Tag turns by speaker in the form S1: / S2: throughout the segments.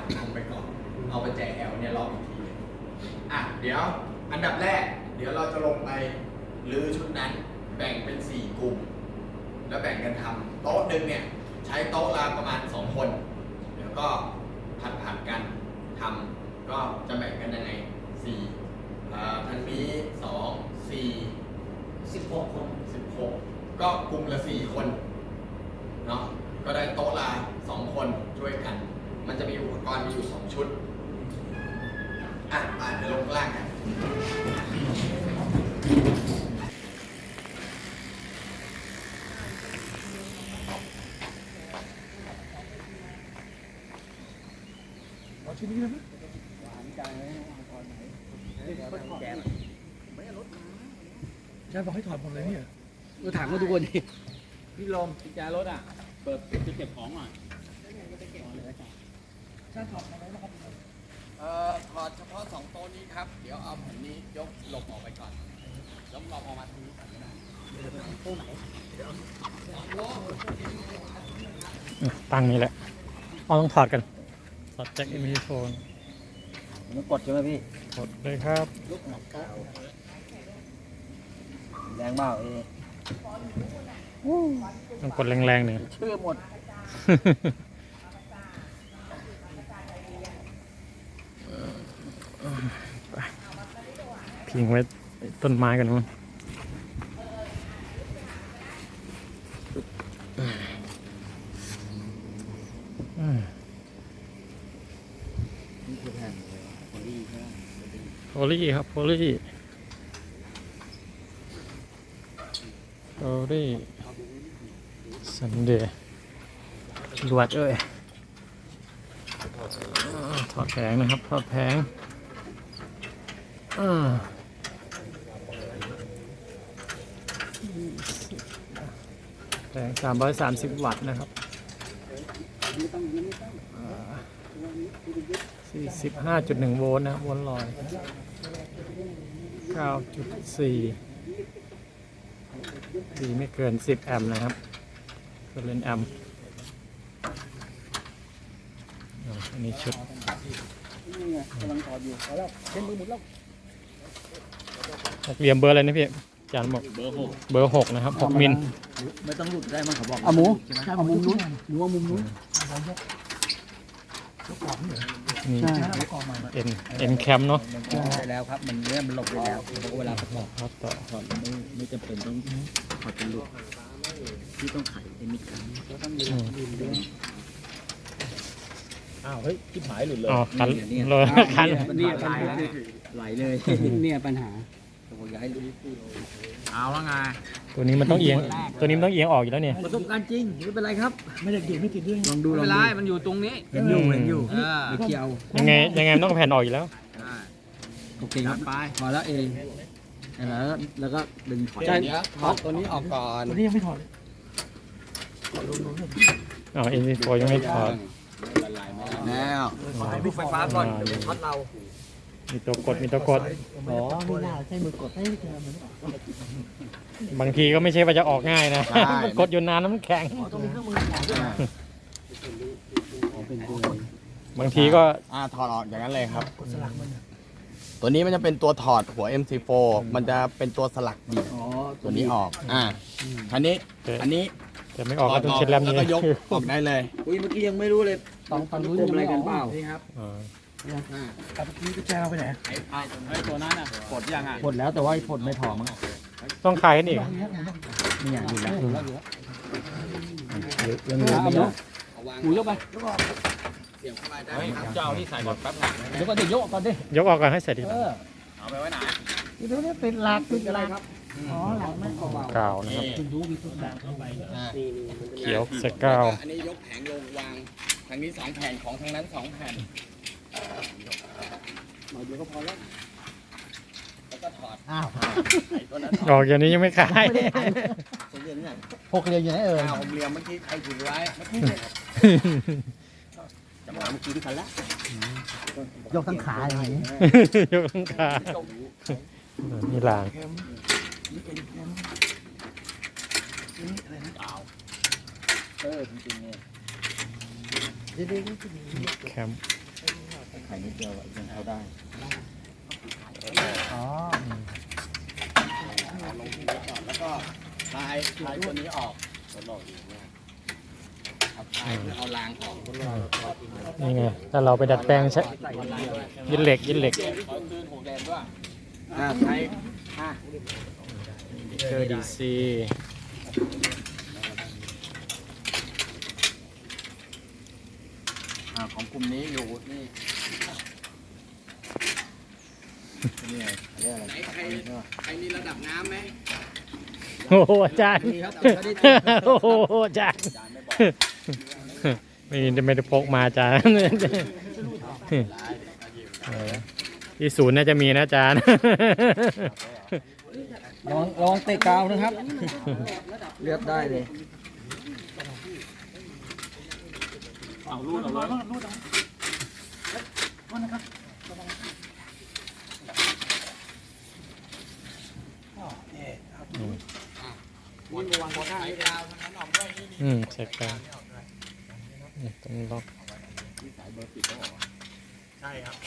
S1: ทำไปก่อนเอาประแจแอลเนี่ยล็อกอีกทีเดี๋ยวอันดับแรกเดี๋ยวเราจะลงไปรื้อชุดนั้นแบ่งเป็น4กลุ่มแล้วแบ่งกันทำโต๊ะหนึ่งเนี่ยใช้โต๊ะละประมาณ2คนเดี๋ยวก็ผัดกันทำก็จะแบ่งกันยังไงทางนี้2 4
S2: 16 คน
S1: 16ก็กลุ่มละ4คนเนาะก็ได้โต๊ะละ2คนช่วยกันมันจะมีอุปกรณ์มีอยู่2ชุดเดี๋ยวลงข้างล่างกัน
S3: ชิ้นนี้นะแกบอกให้ถอดหมดเลยเนี่ยเราถามเขาทุกคนดิ
S2: พี่ลมกุญแจรถเปิดจะเก็บของหน่อย
S1: ถอดเฉพาะ2โต๊ะนี้ครับเดี๋ยวเอาแผ่นนี้ยกหลบออกไปก่อนแล้วเราออกมาทางนี้ก่อนก็ได้
S4: ตั้งนี้แหละต้องถอดกันถอดแจ็คเอ็มวีโฟน
S2: มันกดใช่ไหมพี่
S4: กดเลยครับ
S2: แรงเปล่า
S4: ต้องกดแรงๆหนึ่ง
S2: ชื่อหมด
S4: พิงไว้ต้นไม้กันมั้ง
S2: นี่คือแผ่นโพลีใช่ไหม
S4: โพลี่ครับโพลี่ซันเดย์ลวดเอ้ยถอดแผงนะครับถอดแผงแผง330 วัตต์นะครับ45.1 โวลต์นะครับโวลต์ลอย 9.4 ดีไม่เกิน10 แอมป์นะครับเกินเลนแอมป์อันนี้ชุด
S2: กำลังถอดอยู่เอาแล้วเส้นมือหมดแล้ว
S4: นักเรียนเบอร์อะไรนะพี่อาจารย์บอกเบอร์ 6 นะครับ 6 มิล
S2: ไม่ต้องหลุดได้มั้งเขาบอก
S3: เอาหมู
S2: ใช่ของมุมนู้นหนูว่ามุมนู้น
S4: นี่ เอ็นแคมเนาะ
S2: ได้แล้วครับมันเนื้อมันหลบไปแล้วเวลาประกอบ
S4: ครับต่อ
S2: ถอดไม่จำเป็นต้องถอดเป็นลูกที่ต้องไขไอ้มิดกัน
S3: อ้าวเฮ้ยทิพหายหลุดเลย
S4: อ๋อคันเลยคัน
S2: นี่ปัญหาไหลเลยเนี่ยปัญหาผมอยากให้รู้เอาแล้วไง
S4: ตัวนี้มันต้องเอียง ตัวนี้มันต้องเอียงออกอยู่แล้วเนี่ย
S2: ประสบการณ์จริงไม่เป็นไรครับ
S3: ไม่ได้เกี่ยวไม่ติดเรื่อง
S2: ลองดูไม่เป็นไรมันอยู่ตรงนี้เห็นอยู่ไม่เกี่ยว
S4: ยังไงมันต้องแผ่นออกอยู่แล้ว
S2: โอเคครับไปพอแล้วเองแล้วก็ดึงถอด
S1: เดี๋ยวถอดตัวนี้ออกก่อน
S3: ตัวนี้ยังไม่ถอดเลย
S4: อ๋อเอ็นวีโฟยังไม่ถอด
S2: แล้วดูไฟฟ้าก่อนเดี๋ยวช็อตเรา
S4: มีตัวกด
S3: อ๋อไม่น่าใช้มือกดให้เจอมัน
S4: บางทีก็ไม่ใช่ว่าจะออกง่ายนะ กดอยู่นานน้ำแข็ง
S3: ต้องมีเครื่องมือถอดด้วย
S4: บางทีก็
S1: ถอดออกอย่างนั้นเลยครับ
S3: กดสลักมัน
S1: ตัวนี้มันจะเป็นตัวถอดหัว MC4 มันจะเป็นตัวสลักดีด
S2: อ๋อ
S1: ตัวนี้ออกอันนี้
S4: จะไม่ออกก็ต้องเช็ดแล้ว
S1: แล้ว
S4: นี้
S1: ก็ยกออกได้เลย
S2: อุ้ยเมื่อกี้ยังไม่รู้เลยฝั่งนู้นยังอะไรกันเปล่านี่ครับ
S3: แต่เมื่อกี้กุญแจเราไปไหน
S2: ไอ้ตัวนั้นกดยังกดแล้วแต่ว่าผลไม่พอมั้ง
S4: ต้องคลายกันอีก
S2: ไม่อยากดูแล้ว
S4: ยังเหลือไม่เยอะ
S2: หูยกไป
S1: เสียบเข้าไปได้ครับ
S2: เจ้าที่ใส่ก่อนแป๊บนึงเดี๋ยวก็จะยกก่อนดิ
S4: ยกออกก่อนให้เสร็จดีกว่า
S2: เอาไปไว้ไหน
S3: นี่ตัวนี้เป็นหลักเป็นอะไรครับอ๋อหลักไม่เบาก
S4: าวนะครับ
S3: คุณรู้มีตัวแบบเข้าไป
S4: เขียวสกาว
S1: อันนี้ยกแผงลงวางทางนี้2แผ่นของทางนั้น2แผ่น
S2: หน่อยเดียวก็พอแล้ว
S1: แล้วก็ถอด
S3: อ้าว
S1: ไอ้ตัวนั้น
S4: ออกอย่างนี้ยังไม่คลาย
S2: ผมเรียนเนี่ย
S3: หกเหลี่ยมอยู่ไหนเอ่ย
S1: ผมเรียมเมื่อกี้ใครถือไว้เมื่อกี้จะมาเมื่อกี้ที่คันละ
S3: ยกทั้งขาอย่างนี้
S4: ยกทั้งขานี่ลาง
S2: จริงๆเนี่ย
S3: เดี๋ยว
S4: แคม
S2: ไข่นิดเดียวยังเข้าได้
S3: อ๋อ
S1: เอาลงทีนี้ก่อนแล้วก็คลายตัวนี้ออกเอาคลายเพื่อเอารางออก
S4: นี่ไงถ้าเราไปดัดแปลงใช้ยินเหล็ก
S1: ขอคืนหัวแดงด้วยใช้
S4: เจอดีซี
S1: ของกลุ่มนี้อยู่นี่นี่ไงเรียกอะไรใครมีระดับน้ำไหม
S4: โอ้โหอาจารย์โอ้โหอาจารย์ไม่ได้พกมาอาจารย์ที่ศูนย์น่าจะมีนะอาจารย์
S2: ลองเตะกาวนะครับ เลือกได้เลย
S1: วนวางบนไฟกาวทั้งนั้นออกด้วยนี่
S4: ใส่กาวต้องล็อก
S1: สายเบอร์10เขาบอกใช่ครับ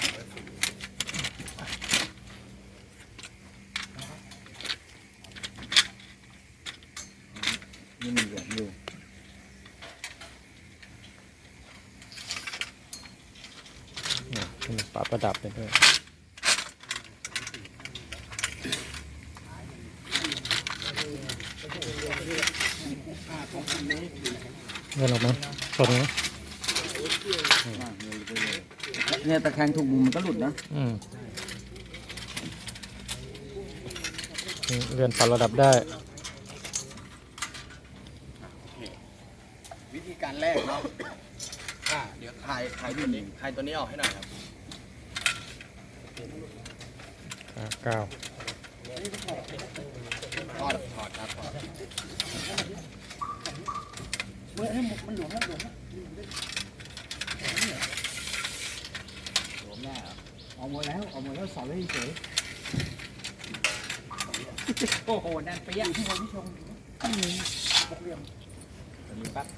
S2: นี่มันเหลืองอยู่
S4: ปรับประดับไปด้วยเงินออกไหมชนไหม
S2: เนี่ยตะแคงถูกมุมมันก็หลุดนะ
S4: เลื่อนปรับระดับได้
S1: วิธีการแรกเนาะเดี๋ยวคลายตัวนี้ออกให้หน่อยครับ
S4: กาว
S1: ถอดครับถอด
S3: มันหลวมแล้วหลวมแล้ว เอาหมดแล้วสอนไว้เฉย
S2: โอ้โหแน่นเปี้ย
S3: ที่เราพี่ชมบกเหลี่ยม
S1: ตัวนี้ปั๊บ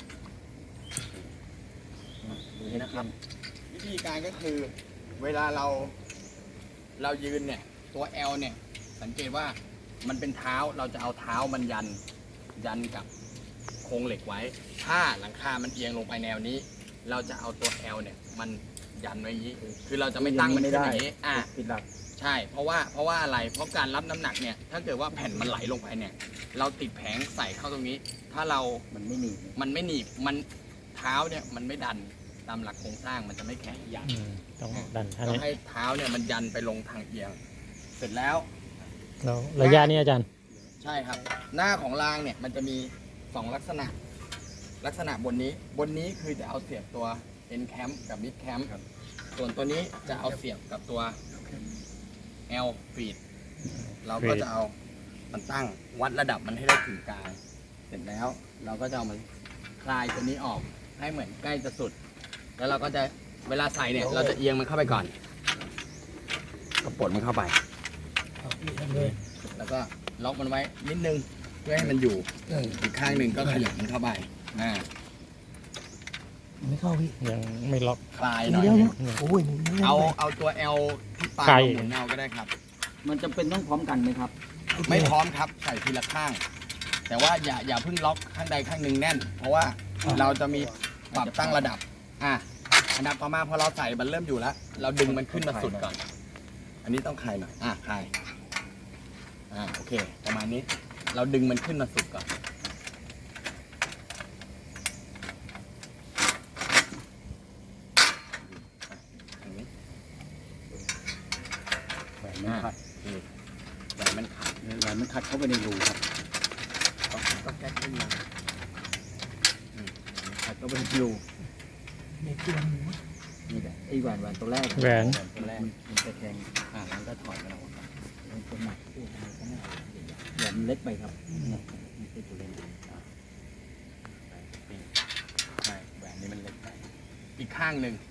S1: นี่นะครับ วิธีการก็คือเวลาเรายืนเนี่ยตัว L เนี่ยสังเกตว่ามันเป็นเท้าเราจะเอาเท้ามันยันกับโครงเหล็กไว้ ถ้าหลังคามันเอียงลงไปแนวนี้ เราจะเอาตัว L เนี่ยมันยันไว้อย่างนี้ คือเราจะไม่ตั้งมันขึ้นอย่างนี้
S2: ผิดหลัก
S1: ใช่เพราะว่าอะไรเพราะการรับน้ำหนักเนี่ยถ้าเกิดว่าแผ่นมันไหลลงไปเนี่ยเราติดแผงใส่เข้าตรงนี้ ถ้ามันไม่หนีบมันเท้าเนี่ยมันไม่ดันตามหลักโครงสร้างมันจะไม่แข็งยัน
S4: ต้องดันท่า
S1: ต้อง
S4: นี้
S1: ให้เท้าเนี่ยมันยันไปลงทางเอียง เสร็จแล้ว
S4: แล้วระยะนี้อาจารย์
S1: ใช่ครับ หน้าของรางเนี่ยมันจะมี2ลักษณะบนนี้คือจะเอาเสียบตัว end cam กับ mid cam ส่วนตัวนี้จะเอาเสียบกับตัว L feed เราก็จะเอามันตั้งวัดระดับมันให้ได้ถึงกลางเสร็จแล้วเราก็จะเอามันคลายตัวนี้ออกให้เหมือนใกล้จะสุด แล้วเราก็จะเวลาใส่เนี่ยเราจะเอียงมันเข้าไปก่อนก็ปลดมันเข้าไป แล้วก็ล็อกมันไว้นิดนึงเพื่อให้มันอยู่อีกข้างหนึ่งก็ขยับมันเข้าไป
S3: ไม่เข้าพี่
S4: ยังไม่ล็อก
S1: คลายหน่อย
S3: โอ้ย
S1: เอาตัว L ที่ปลาย
S4: ไกล
S1: หมุนเอาก็ได้ครับ
S2: มันจำเป็นต้องพร้อมกันไหมครับ
S1: ไม่พร้อมครับใส่ทีละข้าง แต่ว่าอย่าเพิ่งล็อกข้างใดข้างหนึ่งแน่น เพราะว่าเราจะมีปรับตั้งระดับอันดับต่อมาพอเราใส่มันเริ่มอยู่แล้ว เราดึงมันขึ้นมาสุดก่อน อันนี้ต้องคลายหน่อยคลายโอเคประมาณนี้เราดึงมันขึ้นมาสุดก่อนแหวนมันขัดแหวนมันขัดเข้าไปในรูครับก็แก้ขึ้นมาขัดเข้าไปในรู
S3: มีตัวหมู
S2: นี่แหละไอ้แหวนตัวแรก
S4: แหวน
S1: ตัวแรก
S2: มันตะแคง
S1: แล้วก็ถอดมันออกมา
S2: มันตัวหนักตัวอะไรก็ไม่เอาแหวนมันเล็กไปครับเนี่ยมันเป็นตัวเล็ก
S1: ใช่แหวนนี้มันเล็กไปอีกข้างหนึ่ง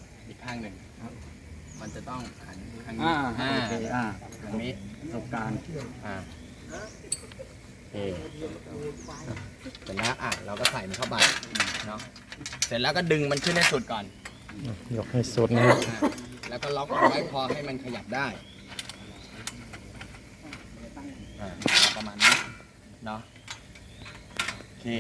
S1: มันจะต้องหันทางนี้
S2: โอเค
S1: ทางนี้
S2: ประสบการณ์
S1: โอเคเสร็จแล้วเราก็ใส่มันเข้าไปเนาะเสร็จแล้วก็ดึงมันขึ้นให้สุดก่อน
S4: ยกให้สุดนะครับ
S1: แล้วก็ล็อกเอาไว้พอให้มันขยับได้ประมาณนี้เนาะโอเค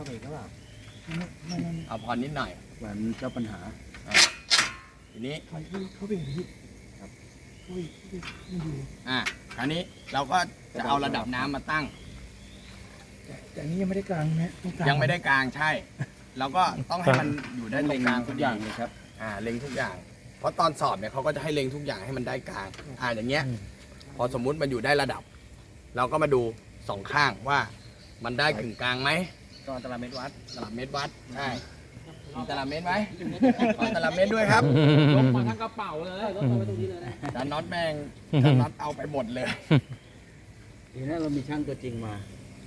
S1: เอาพอนิดหน่อย
S2: เหมือนเจ้าปัญหา
S1: ทีนี้
S3: เขาเป็นอย่างนี้ครับเขาไม่ดู
S1: คราวนี้เราก็จะเอาระดับน้ำมาตั้ง
S3: แต่อันนี้ยังไม่ได้กลางนะต้องกลาง
S1: ยังไม่ได้กลางใช่ เราก็ต้องให้มันอยู่ได้ตรงกลาง
S2: ทุกอย่างเลยครับ
S1: เล็งทุกอย่าง เพราะตอนสอบเนี่ยเขาก็จะให้เล็งทุกอย่างให้มันได้กลางอย่างเงี้ย พอสมมุติมันอยู่ได้ระดับ เราก็มาดูสองข้างว่ามันได้กึ่งกลางไหม
S2: ตอนตารางเมตรวัด
S1: ตลับเมตรวัดใช่มีตลับเมตรไหมขอตลับเมตรด้วยครับ
S2: ยกมาทั้งกระเป๋าเลยยกมาไว้ตรงนี้เลยนะ
S1: จานน็อตแม่งจานน็อตเอาไปหมดเลย
S2: ทีนี้เรามีช่างตัวจริงมา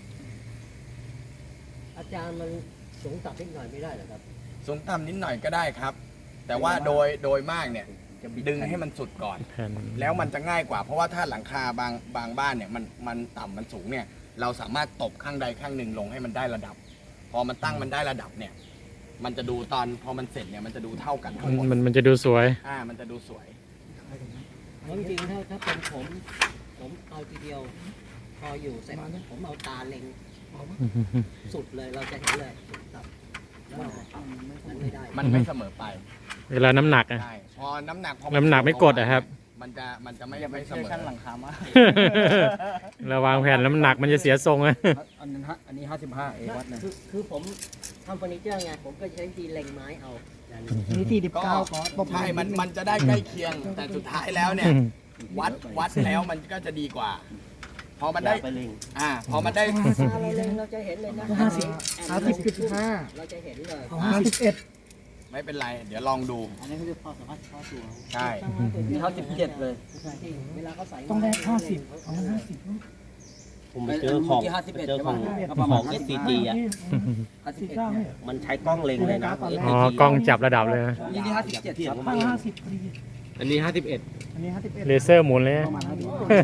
S5: อาจารย์มันสูงต่ำนิดหน่อยไม่ได้เหรอครับ
S1: สูงต่ำนิดหน่อยก็ได้ครับ แต่ว่าโดยมากเนี่ยดึงให้มันสุดก่อน
S4: แผ่น
S1: แล้วมันจะง่ายกว่า เพราะว่าถ้าหลังคาบางบ้านเนี่ยมันต่ำมันสูงเนี่ย เราสามารถตบข้างใดข้างหนึ่งลงให้มันได้ระดับ พอมันตั้งมันได้ระดับเนี่ย มันจะดูตอนพอมันเสร็จเนี่ยมันจะดูเท่ากันทั้งหมด
S4: มันจะดูสวย
S1: มันจะดูสวย
S5: เพราะจริงๆถ้าเป็นผมเอาทีเดียว พออยู่เสร็จผมเอาตาเล็งสุดเลยเราจะเห็นเลยสุดต่ำแล้วมันไม่ได้
S1: มันไม่เสมอไป
S4: เวลาน้ำหนักอะ
S1: ใช่พอน้ำหนักพอ
S4: น้ำหนักไม่กดอะครับ
S1: มันจะไม่เสมอ
S2: ช่างหลังคามาก
S4: เราวางแผ่นน้ำหนักมันจะเสียทรงอะ
S2: อันนี้55เอวัดนะ
S5: คือผมทำเฟอร์นิเจอร์ไงผมก็ใช้วิธีเล็งไม้เอาอย่างนี้
S3: อันนี้ที่19ก่อน
S1: ใช่มันจะได้ใกล้เคียง แต่สุดท้ายแล้วเนี่ย วัดแล้วมันก็จะดีกว่า พอมันได้
S2: ไปเล็ง
S1: พอมันได้
S5: ตาเราเล็งเราจะเห็นเลยนะ
S3: 50.5
S5: เราจะเห็นเลย
S3: เอา51
S1: ไม่เป็นไร เดี๋ยวลองดู
S5: อันนี้คือพอสามารถเข้าตัว
S1: ใช่
S2: มี57เลย
S5: เวลาเขาใส่
S3: ต้องได้50เอา50
S2: ผมไปเจอของเจอของ SCG อ่ะ
S3: 49เนี่ย
S2: มันใช้กล้องเล็งเลยนะ
S4: อ๋อกล้องจับระดับเลยนะ
S2: นี่57ครับ
S3: ตั้ง50พอดี
S2: อันนี้51
S3: อันนี้51
S4: เลเซอร์หมุนเลยนะ
S3: ประมาณ50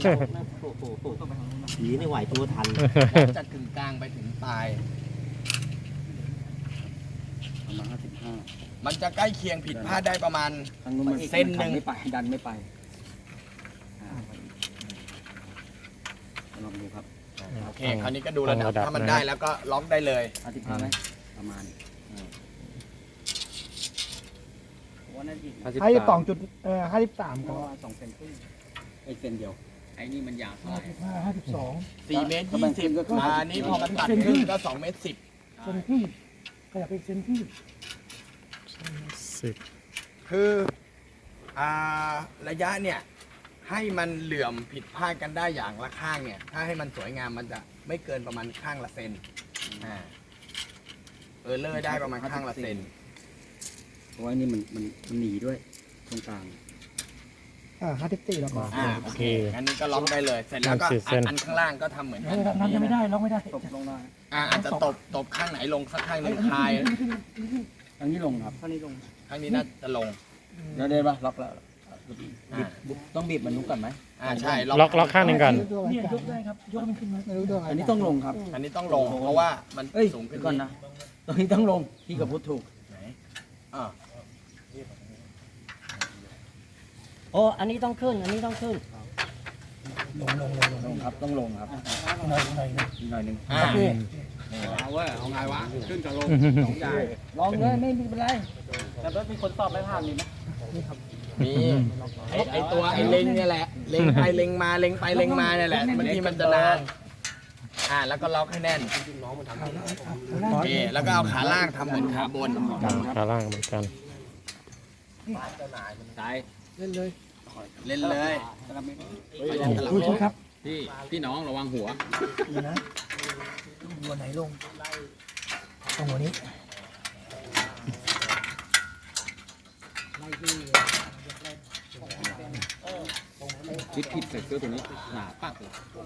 S2: ผีนี่ไหวตัวทัน
S1: จะกึ่งกลางไปถึงปลาย
S2: ประมาณ55
S1: มันจะใกล้เคียงผิดพลาดได้ประมาณ
S2: ทางนู้นมัน
S1: เส้นหนึ่ง
S2: ไม่ไปดันไม่ไปลองดูครับ
S1: โอเค คราวนี้ก็ดูระดับ ถ้ามันได้แล้วก็ล็อกได้เลย
S2: 55ไหมประมาณ
S3: 52จุด53
S2: เพ
S3: ก็
S2: ราะว่า2 เซนครึ่งไอ้เซนเดียวไอ้นี่มันยาวเท่าไหร่
S3: 55
S1: 4 เมตร 20อันนี้พอมันตัดครึ่งก็2 เมตร 10
S3: 52เซนที่ขยับไปเซนที่
S4: 10
S1: คือระยะเนี่ยให้มันเหลื่อมผิดพลาดกันได้อย่างละข้างเนี่ย ถ้าให้มันสวยงามมันจะไม่เกินประมาณข้างละเซนเลอร์ได้ประมาณข้างละเซน
S2: เพราะว่านี่มันหนีด้วยตรงกลาง
S3: 54แล้วก็
S1: โอเคงั้นนี้ก็ล็อกได้เลย เสร็จแล้วก็อันข้างล่างก็ทำเหมือนกัน
S3: น้ำยังไม่ได้ล็อกไม่ได้
S2: ตบลงได้
S1: อาจจะตบข้างไหนลงสักข้างหนึ่งคลาย
S2: ทางนี้ลงครับทางนี้ลง
S1: ข้างนี้น่าจะลง
S2: เดี๋ยวป่ะล็อกแล้วต้องบีบมันนุกก่อนไหม
S1: ใช่
S4: ล็อกข้างหนึ่งก่อน
S3: เนี่ยยกได้ครับยกมันขึ้นมาไม่รู้ตัว
S2: อันนี้ต้องลงครับ
S1: อันนี้ต้องลง เพราะว่ามัน
S2: เอ้ย
S1: สูงขึ้น
S2: ก่อนนะตรงนี้ต้องลงพี่กับพุทธถูก
S1: ไหนอ่า
S5: โอ้อันนี้ต้องขึ้น อันนี้ต้องขึ้น
S2: ลงครับต้องลงครับ
S3: หน่อย
S2: หน่อยหนึง
S1: อ่า
S2: เอาเว้ยเอาไงวะขึ้นกับลงสองอย่างลองเลยไม่เป็นไรแต่ว่ามีคนตอบไม่ผ่านมีไหม
S1: มีไอตัวไอเล็งเนี่ยแหละ เล็งไปเล็งมาเล็งไปเล็งมาเนี่ยแหละบางทีมันจะนานแล้วก็ล็อกให้แน่นโอเคแล้วก็เอาขาล่างทำเหมือนขาบน
S4: ขาล่างเหมือนกัน
S2: ตาย
S3: เล่นเลย
S1: เล่นเลย
S3: ดูช่วยครับ
S2: พี่น้องระวังหัว
S3: นี่นะหัวไหนลงตรงหัวนี้
S2: คิดผิดใส่เสื้อตัวนี้หนาปักเลย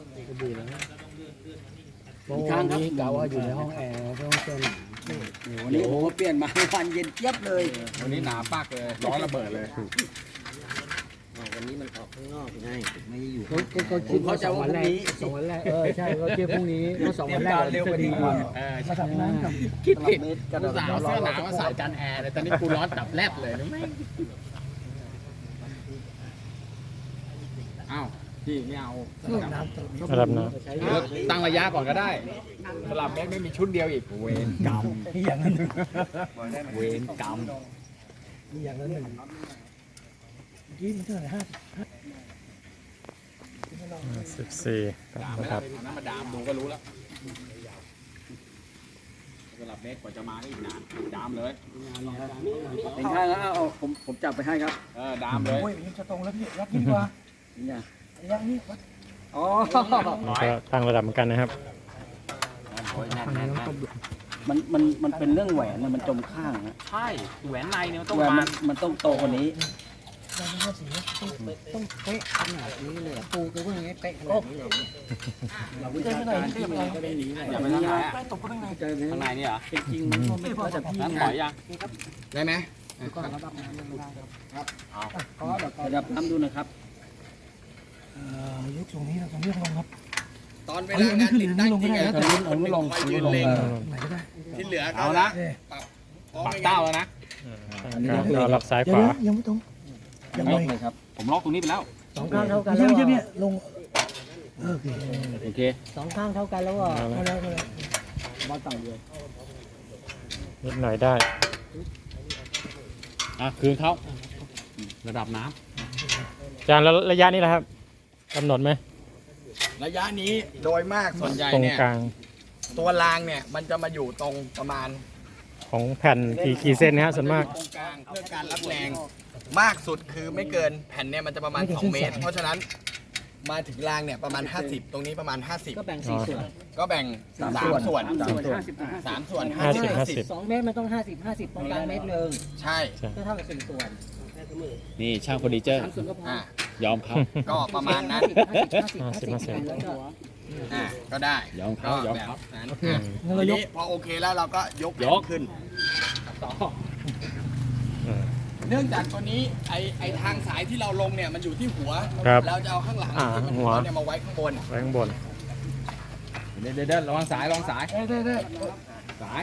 S3: อีกครั้งครับกะว่าอยู่ในห้องแอร์ห้องเซน
S2: วันนี้ผมก็เปลี่ยนมาวันเย็นเจี๊ยบเลยวันนี้หนาปักเลยร้อนระเบิดเลย
S5: วันนี้มันออกข้างนอกไงไม่ได้อยู่
S3: ก็คิดว่าสองวันแรกใช่ก็คิดพรุ่งนี้ก็สองวันแรกจะดีกว่ามาทำน้ำกับ
S1: คิดผิดกูสาวเสื้อหนาวมาใส่จานแอร์เลยตอนนี้กูร้อนตับแลบเลยนะแม่งอ้าวพี่ไม่เอา
S3: น้ำ
S4: ระดับน้
S1: ตั้งระยะก่อนก็ได้สลับแม็กไม่มีชุดเดียวอีกเวรกรรม
S3: นี่อย่างนั้น
S1: เวรกรรม
S3: นี่อย่างนั้นหนึ่งยี่มันเท่าไหร่
S4: 14ครับ
S1: เอาน้ำมาดามดูก็รู้แล้วสลับแม็กกว่าจะมาได้อีกนานดามเลย
S2: เป็นข้างแล้วเอาผมจับไปให้ครับ
S1: ดามเลย
S3: โอ้ยยังจะตรงแล้วพี่ยักษ์ดีกว่า
S2: เนี่ย
S3: ยักษ์นี่
S2: อ๋อ
S4: ก็ตั้งระดับเหมือนกันนะครับ
S2: มันเป็นเรื่องแหวนนะมันจมข้างนะ
S1: ใช่แหวนในเนี่ยมันต้อง
S2: แหวน
S1: มา
S2: มันต้องโตกว่านี้
S5: ต้องเป๊ะขนาดนี้เลยปูก็เพิ่งให้เป๊ะขนาดนี้เลย
S2: เราวิชาการที่มันก็ได้นี้
S1: อย่าไปทางไหนอ่ะ
S3: ตกก็ข้างใน
S2: เจอ
S1: ข้างในนี่เหรอ
S2: จริงมันก็ไม่พอแต่พี่
S1: น้ำถอยยังได้ไหม
S3: ก็ระดับน้ำไม่ได้ครับ
S2: ขอระดับน้ำดูนะครับ
S3: ยกตรงนี้เราจะเลือกลงครับ
S1: ตอนเวลางานติดตั้งจริงอะจะมีคนหนึ่งคอยยืนเล็ง
S3: ไหนก็ได้
S1: ที่เหลือก็
S2: เอาละ
S1: ปักเต้าแล้วนะ
S4: ก็รับซ้าย
S3: เดี๋
S4: ข
S3: ยว
S4: วา
S3: ยังไม่ตรงยัง
S2: ล็
S3: ไม่
S2: อกเลยครับ
S1: ผมล็อกตรงนี้ไปแล้ว
S5: สองข้างเท่ากัน
S3: ไม่
S5: แล้ว
S3: ใช่เนี่ยลงโอเค
S2: โอเค
S5: สองข้างเท่ากันแล้วอ่ะ
S3: ก็แล้วก็แล้ว
S2: มาต่างเดียว
S4: นิดหน่อยได้
S1: คืนเขาระดับน้
S4: อาจารย์แล้วระยะนี้นะครับกำหนดไหม
S1: ำระยะนี้โดยมากส่วนใหญ่
S4: ตรง
S1: เนี่ย
S4: กลาง
S1: ตัวรางเนี่ยมันจะมาอยู่ตรงประมาณ
S4: ของแผ่นกี่เส้นนะฮะส่วนมาก
S1: ตรงกลางเพื่อการรับแรงมากสุดคือไม่เกินแผ่นเนี่ยมันจะประมาณ2 เมตร เพราะฉะนั้นมาถึงรางเนี่ยประมาณ 50 ตรงนี้ประมาณ
S5: ก็แบ่งสี่ส่วน
S1: 50 ก็แบ่ง3 ส่วน3 ส่วน
S4: 50
S5: สองเมตรมันต้อง50ตรงกลางเมตรหนึ่ง
S1: ใช่
S5: ก็เท่ากับสี่ส่วน
S2: นี่ช่างเฟอร์นิเจอร์
S5: สามส่วนก็พอ
S1: อ่ะ
S2: ยอมเขา
S1: ก็ประมาณนั้น
S5: 50แล้วก็
S1: ก็ได้
S2: ยอมเขายอม
S1: แบบ
S2: เขา
S1: นั้น
S3: งั้น
S1: ที
S3: เรายก
S1: นี้พอโอเคแล้วเราก็ยก
S2: ยก
S1: ขึ้น เนื่องจากตัวนี้ไอทางสายที่เราลงเนี่ยมันอยู่ที่หัว
S4: ครับ
S1: เราจะเอาข้างหลัง
S4: อ่า
S1: ที่มัน
S4: หัว
S1: เนี่ยมาไว้ข้างบน
S4: ไว้ข้างบน
S2: เดี๋ยวระวังสายระวังสาย
S3: ได้
S2: สาย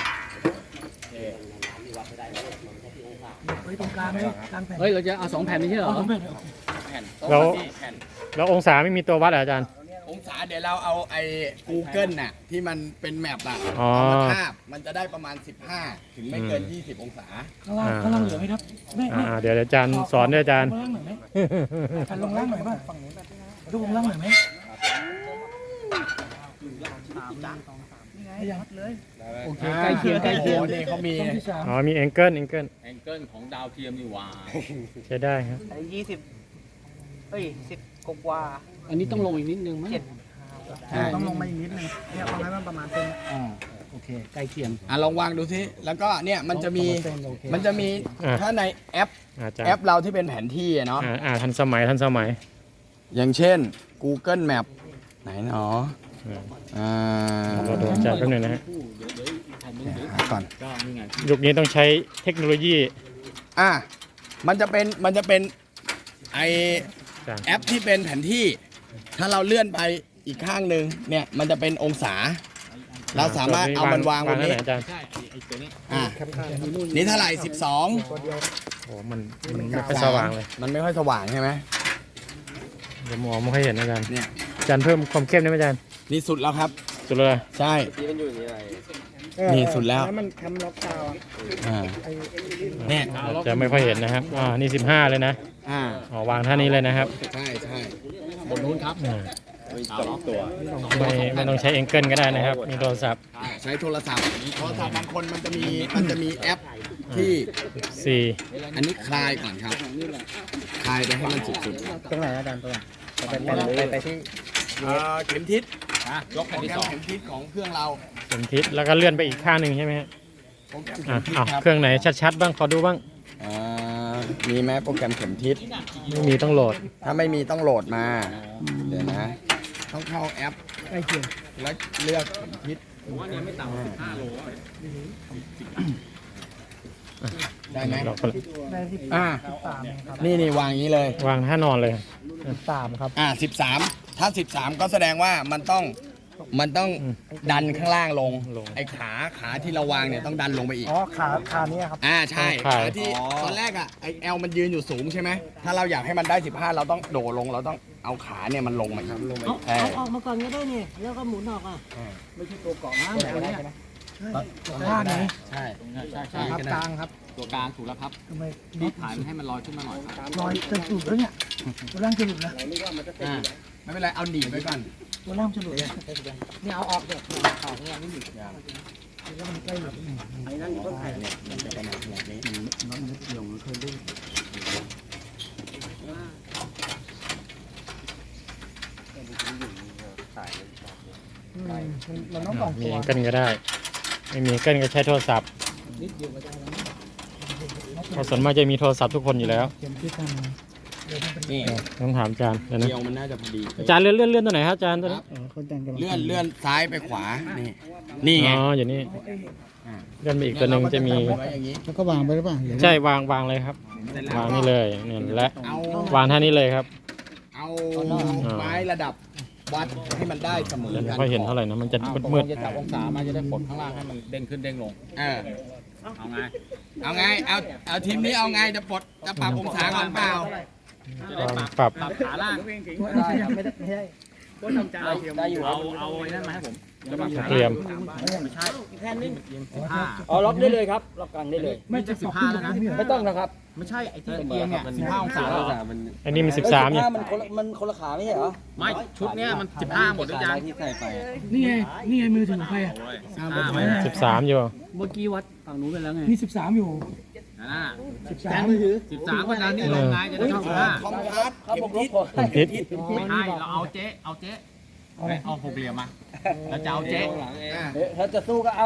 S3: ไว้ตรงกลางเลยกลางแผ่น
S2: เฮ้ยเราจะเอา2 แผ่นนี้ใช่เหรอ
S3: เอาตรงแผ่น
S1: แผ่น
S4: แล้ว
S1: แผ่น
S4: แล้วองศาไม่มีตัววัดเหรออาจารย์
S1: องศาเดี๋ยวเราเอาไอ้ Google น่ะที่มันเป็นแมปอะ
S4: อ๋อ
S1: เอามาทาบมันจะได้ประมาณ 15 ถึงไม่เกิน 20 องศา
S3: ข้างล่างเหลือไหมครับแม่
S4: เดี๋ยวอาจารย์สอนด้วยอาจารย์
S3: ลงล่างหน่อยไหมการลงล่างหน่อยป่ะฝั่งนี้ดูลงล่างหน่อยไหมยังเลย
S2: โอเคใกล้เคียงใกล้เคียง
S1: โอ้โหนี่เขามี
S3: ช่องที่3
S4: อ๋อมีแองเกิล
S2: แองเกิลของดาวเทียมนี่หว่า
S4: ใช้ได้ครับ
S5: 20เฮ้ย10กว่า
S2: อันนี้ต้องลงอีกนิดนึงมั้ย
S3: ต้องลงมาอีกนิดนึงเนี่ยประมาณมันประมาณเป็น
S2: โอเคใกล้เคียง
S1: ลองวางดูสิแล้วก็เนี่ยมันจะมีถ้าในแอป
S4: อาจารย์
S1: แอปเราที่เป็นแผนที่อะเนาะ
S4: ทันสมัย
S1: อย่างเช่น Google Map ไหนเนาะ
S4: เราดูอาจารย์แป๊บหนึงนะฮะ
S1: หาก่อน
S2: ก็นี่ไง
S4: ยุคนี้ต้องใช้เทคโนโลยี
S1: มันจะเป็นไอ
S4: อาจารย์
S1: แอปที่เป็นแผนที่ ถ้าเราเลื่อนไปอีกข้างหนึ่งเนี่ยมันจะเป็นองศา เราสามารถเอามันวางบนนี้
S4: ไว้ไหอาจารย์
S2: ใช่ไอ้ตัวนี้
S1: นี่เท่าไหร่
S4: โอ้มันไม่ค่อยสว่างเลย
S1: 12 มันไม่ค่อยสว่างใช่ไหม
S4: เดี๋ยวมองไม่ค่อยเห็นอาจารย์
S1: เนี่ย
S4: อาจารย์เพิ่มความเข้มได้ไหมอาจารย์
S1: นี่สุดแล้วครับ
S4: สุดเลย
S1: ใช่นี่สุดแล้ว
S3: มันทำล็อกดาวน์
S1: อ่าเนี่ย
S4: จะไม่ค่อยเห็นนะครับนี่15เลยนะ วางท่านี้เลยนะครับ
S1: ใช่ใช่
S2: บนนู้นครับ
S1: ตัว
S4: ไม่ต้องใช้แองเกิลก็ได้นะครับ มีโทรศัพท์
S1: ใช้โทรศัพท์บางคนมันจะมีแอปที่
S4: 4
S1: อันนี้คลายก่อนครับ คลายไปให้มันสุด
S5: ตรงไหนอาจารย์ตัวไปที่
S1: ๆเข็มทิศยกโปรแกรมเข็มทิศของเครื่องเรา
S4: เข็มทิศแล้วก็เลื่อนไปอีกข้างหนึ่งใช่ไหมฮะ
S1: โปรแกรมเข็มทิศครับ
S4: เครื่องไหนชัดๆบ้างขอดูบ้าง
S1: มีไหมโปรแกรมเข็มทิศ
S4: ไม่มีต้องโหลด
S1: ถ้าไม่มีต้องโหลดมา เดี๋ยวนะ ต้องเข้าแอป
S3: ใกล้เคียง
S1: แล้วเลือกเข็มทิศ
S2: ผมว่าเนี่ยไม่ต่ำกว่า15 โล
S1: ได้ไหม
S4: เราก็
S1: อ่านี่วางอย่างนี้เลย
S4: วางท่านอนเลย
S3: 3ครับ
S1: 13ถ้า13ก็แสดงว่ามันต้องดันข้างล่างลงไอ้ขาที่เราวางเนี่ยต้องดันลงไปอีก
S3: อ๋อขานี้ครับ
S1: ใช่ขาที่ตอนแรกอ่ะไอ้เอลมันยืนอยู่สูงใช่ไหมถ้าเราอยากให้มันได้15เราต้องโดดลงเราต้องเอาขาเนี่ยมันลงมาครับลงมา
S5: เอาออกมาก่อนก็ได้นี่แล้วก็หมุนออกอ่ะ
S3: ไม่ใช่ตัวเกาะน้ำแบบนี้ข้างนี้
S1: ใช่
S3: ครับกลางครับ
S2: ตัวกลางถูกแล้วครับ
S3: ทำไม
S2: นี่ถ่ายมันให้มันลอยขึ้นมาหน่อยครับ
S3: ลอยจะหลุดแล้วเนี่ยตัวล่างจะหลุดแล้ว
S1: ไม่เป็นไรเอาหนีบไว้ก่อน
S3: ตัวล่างจะหลุดแล้ว
S5: เนี่ยเอาออกเด็กออกเนี่ยไม่หยุด
S3: แล้วมันใกล้หลุด
S5: ไอ้นั่นก็ถ่าย
S1: มันจะเป็นแบบนี้
S3: มันต้องสอง
S4: มี
S3: ตัว
S4: แองเกิลก็ได้ ไม่มีแองเกิลก็ใช้โทรศัพท์เพราะส่วนมากจะมีโทรศัพท์ทุกคนอยู่แล้ว
S3: เข็มที่ท
S1: นี่
S4: ต้องถามอาจารย์เดี๋ยวนะ
S1: เดียวมันน่าจะพอดี
S4: อาจารย์เลื่อนตัวไหนครับอาจารย์ตัวนี้
S3: ำคนแต่งกัน
S1: เลื่อนซ้ายไปขวานี่ไง
S4: อ๋ออยู่นี่เลื่อนไปอีกตัวหนึ่งจะมี
S1: ไว้อย่างนี้
S3: แล้วก็วางไปหรือเปล่า
S4: ใช่วางเลยครับ วางนี่เลยเนี่ยและ
S1: เอา
S4: วางท่านี้เลยครับ
S1: เอาไม้ระดับวัดให้มันได้เสมอ
S4: เดี๋ยว
S1: กัน
S4: ไม่ค่อยเห็นเท่าไหร่นะมันจะมืด
S2: จะจับองศามาจะได้กดข้างล่างให้มันเด้งขึ้นเด้งลง
S1: เออ
S2: เอาไง
S1: เอาไงเอาทีมนี้เอาไงจะปรับองศาก่อนเปล่า
S2: จะได้
S4: ปรับ
S2: ปรับขาล่าง
S3: ไม่ได้
S2: ได้อยู่เอาไอ้นั่นมาให้ผมจะปรับขา
S4: เตรียม
S2: ไม่ใช่
S5: แค่นี้
S2: 15
S5: เอาล็อกได้เลยครับล็อกกลางได้เลย
S2: ไม่จะ15แล้วนะ
S5: ไม่ต้องนะครับ
S2: ไม่ใช่ไอ้ที่เอียงเนี่ย15องศาแล้ว
S4: อันนี้มัน13อยู่
S5: มันคนละขาไม่ใช่เหรอ
S2: ไม่ชุดเนี้ยมัน15หมดหรือยัง
S3: นี่ไงมือถือของใครอ่ะ
S2: 15ไหม
S4: 13อยู่
S5: เมื่อกี้วัดฝั่งนู้นไปแล้วไง
S3: มี13อยู่
S2: น่ะ
S3: 13มือถือ
S2: 13ก็ดันนี่ลงไงจะได้เข้า15
S1: คอมพาสเข็มทิศ
S4: ทิศ
S2: ไม่ใช่เราเอาเจ๊เอาหกเหลี่ยมมาเราจะเอาเจ๊
S5: ถ้าจะสู้ก็เอา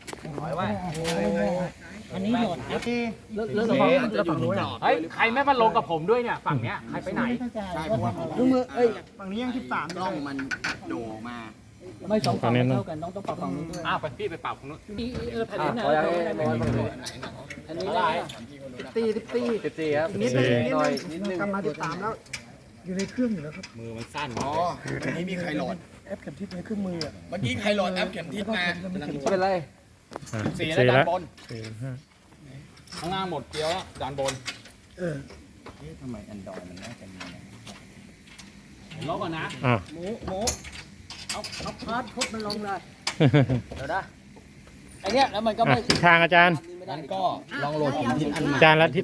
S5: อันนี้โดดนะแล้วฝั่งนู้นอ่ะ
S2: เฮ้ยใครไม่มาลงกับผมด้วยเนี่ยฝั่งเนี้ยใครไปไหน
S1: ใช่เพราะว่า
S5: ลูกมือเอ้ย
S3: ฝั่งนี้ยัง13
S1: กล้องมันโดมา
S5: ไม่สองฝั่งไม่เท่ากันต้องปรับฝั่งนู้นด้วย
S2: อ้าวไปพี่ไปปรับของนู้น
S5: แผ่นนี้นะอันนี้ได้14ครับ
S3: นิดนึงกำมา13แล้ว อยู่ในเครื่องอยู่แล้วครับ
S2: มือมันสั้น
S1: อ๋ออันนี้มีใครโหลด
S3: แอปเข็มทิศในเครื่องมืออ่ะ
S1: เมื่อกี้ใครโหลดแอปเข็มทิศมา
S5: ไม่เป็นไร
S4: อ่ะ
S2: 4
S4: สี่
S2: แล้วด้า
S4: แล้ว
S2: นบน
S4: 4
S2: ข้างล่างหมดเกลียวแล้วด้านบน
S1: ทำไม Android มันน่าจะมีนะ
S2: ล็อกก่อนนะ
S4: อ่ะ
S5: หมูเอาพาร์ทพุทมันลงเลยเดี๋ยวนะไอเนี้ยแล้วมันก็
S4: อ่ะ
S5: ไม่
S4: ทิศทางอาจารย์
S1: งั้นก็ลองโหลดเข็มทิศอันใหม่
S4: อาจารย์แล้วทิศ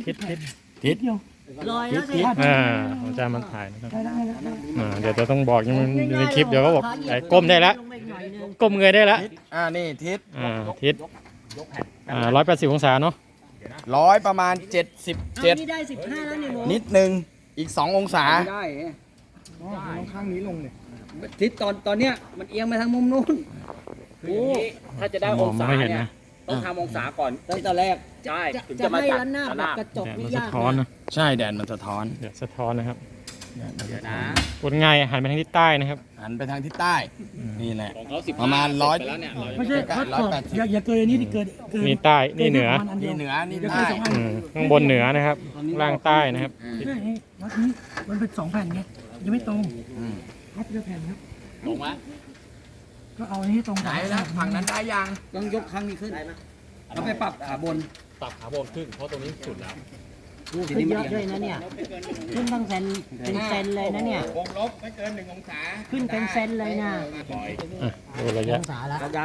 S5: ลอยแล้วสิ
S4: อาจารย์มันถ่ายนะครับเดี๋ยวจะต้องบอกยังในคลิปเดี๋ยวก็บอกไอ้ก้มได้แล้วก้มเงยได้แล้ว
S1: นี่ทิศ
S4: ทิศ180 องศาเนาะ
S1: ประมาณ 77
S5: นี่ได้15แล้วนี่หมู
S1: นิดนึงอีก 2 องศา
S5: ได้
S3: ข้างนี้ลงเลย
S5: ทิศตอนเนี้ยมันเอียงไปทางมุมนู้น
S2: คืออย่างนี้ถ้าจะได้องศาเนี่ยต้องทำองศาก่อน
S5: ตั้งแต่แรก
S2: ใช่ถึง
S5: จะ
S2: จะมา
S5: ให้
S2: จัด
S5: ล้านหน้าแบบกระจก
S4: เนี่ย
S5: นี่
S4: มันสะ
S5: ยาก
S4: ท้อนนะ
S1: ใช่แดดมันสะท้อน
S4: เดี๋ยวสะท้อนนะครับ
S2: เดี๋ยวนะ
S4: กดง่ายหันไปทางทิศใต้นะครับ
S1: หันไปทางทิศใต้ นี่แหละ
S2: ของเขา15
S1: ประมาณ100
S2: ไปแล้วเนี่ย
S3: ไม่ใช่พัดก่อนอย่าเกินอันนี้ที่เกิน
S4: นี่ใต้นี่เหนือ
S1: นี่เหนือ นี่ใต้
S4: ข้างบนเหนือนะครับล่างใต้นะครับ
S3: วัดนี้มันเป็น2แผ่นไงยังไม่ตรง
S1: อืม
S3: วัดเดียวแผ่นครับ
S2: ลงไหม
S3: ก็เอาอันนี้ตรง
S1: ไหนแล้วฝั่งนั้นได้ยัง
S5: ต้องยกครั้งนี้ขึ้นแล้วไปปรับขาบน
S2: ปรับขาบนขึ้นเพราะตรงนี้สุดแล้ว
S5: ขึ้นเยอะด้วยนะเนี่ยขึ้นตั้งเซนเป็นเซนเลยนะเนี่ยว
S1: งลบไม่เกิน1 องศา
S5: ขึ้นเป็นเซนเลยนะ
S4: ดูระยะ
S5: องศาแล้วยัง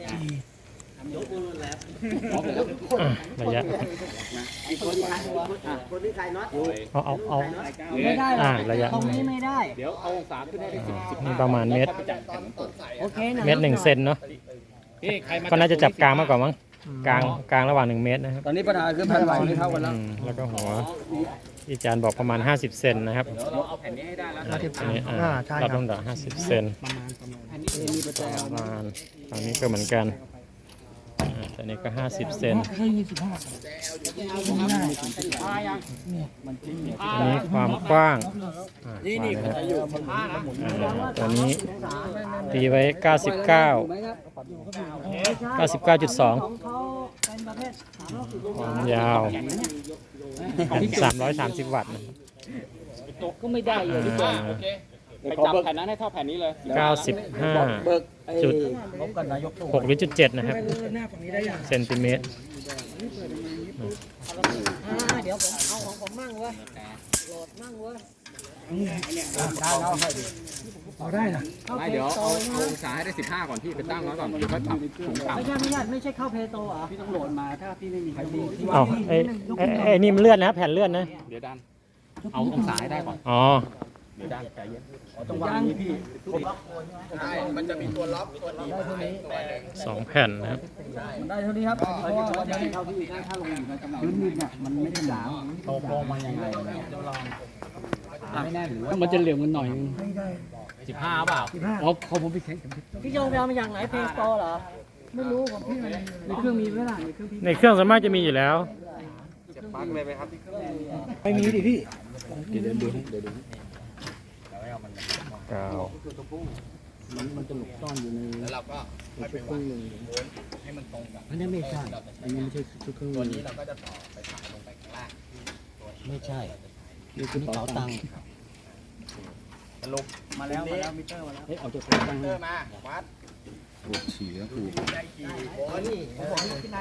S4: ระยะ
S5: คนที่ใครน็อต
S4: เอา
S5: ไม่ได้หรอก
S4: ระยะ
S5: ตรงนี้ไม่ได้
S2: เดี๋ยวเอาองศาขึ้นได้10
S4: นี่ประมาณเมตร
S5: โอเคนะ
S4: เมตร1 เซนเนาะ
S2: พี่ใครมา
S4: ก็น่าจะจับกลางมากกว่ามั้งกลางระหว่าง1 เมตรนะครับ
S5: ตอนนี้ปัญหาคือแผ่นไหวไม่เท่ากันแล้ว
S4: แล้วก็หัวที่อาจารย์บอกประมาณ50 เซนนะครับ
S2: เราเอาแผ่นนี้ให้ได้แล้ว
S4: อันนี้รับลำดับ50 เซนประมาณฝั่งนี้ก็เหมือนกันแต่นี้ก็50 เซน
S3: เคย25
S4: อันนี้ความกว้างนี่นะครับตัวนี้ตีไว้ 99.2
S5: ของเขาเป็นประเภท360
S4: ความยาว 330 วัตต์นะ
S2: ก็ไม่ได้เลยพี่
S4: อ่า
S2: โอเคไปจับแผ่นนั้นให้เท่าแผ่นนี้เลย
S4: 95
S3: เบิกไอ้
S4: จุด
S3: ลบกันนายก
S4: 6 หรือจุด 7 นะครับ
S3: หน้าฝั่งนี้ได้ยัง
S4: เซนติเมตร
S5: เดี๋ยวผมเอาของผมมั่งเว้ยโหลดมั่งเว้ย
S3: ได้แล้วให้ดิเอาได้นะ
S2: ไม่เดี๋ยวเอาองศาให้ได้15ก่อนพี่ไปตั้งไว้ก่อนเดี๋ยวก็ปรับสูงต่ำ
S5: ไม่ใช่เข้าเพโตเหรอ
S3: พี่ต้องโหลดมาถ้าพี่ไม่มีใครดีที่
S4: เอ้าไอ้นี่มันเลื่อนนะแผ่นเลื่อนนะ
S2: เดี๋ยวดันเอาองศาให้ได้ก่อน
S4: อ๋อ
S2: เดี๋ยวดันใจเย็น
S3: ต้องวางนี้พี่
S1: ใช่ มันจะมีตัวล็อกตัวหนีบตัวหนึ่ง
S4: 2 แผ่นนะครับ
S3: มันได้เท่านี้ครับเพราะว่าวันนี้เท่าที่ถ้าลงอยู่ในกำลังพื้นดินเนี่ยมันไม่ได้หนาโตลงมายังไงไม่แน่หรือว่า
S2: มันจะเหลี่ยมกันหน่อย
S3: ไม่ได้
S2: 15เปล่า
S3: อ๋อเขาผมไปแข่ง
S5: พี่โยงไปเอามาจากไหนเพย์สโตเหรอ ไม่รู้ของพี่มัน
S3: ในเครื่องมีไหมล่ะในเครื่องพี่
S4: ในเครื่องสามารถจะมีอยู่แล้ว
S3: ไม่มีดิพี่
S4: กาว
S3: มันจะหลบซ่อนอยู่ใน
S1: แล้วเราก็ค่อยไปวางม้วนให้มันตรงกับ
S3: อันนี้ไม่ใช่อันนี้ไม่ใช่ชุดเครื่อง
S1: ตัวนี้เราก็จะต่อไปสายลงไปข้างล่าง
S5: ไม่ใช่นี่คือเป๋าตังค์
S1: สรุป
S3: มาแล้วมิเตอร์มาแล้ว
S2: เฮ้ยเอาตัว
S1: เตอร์มาวัด
S2: ฉี่แล้ว
S1: ได้กี่โวลต์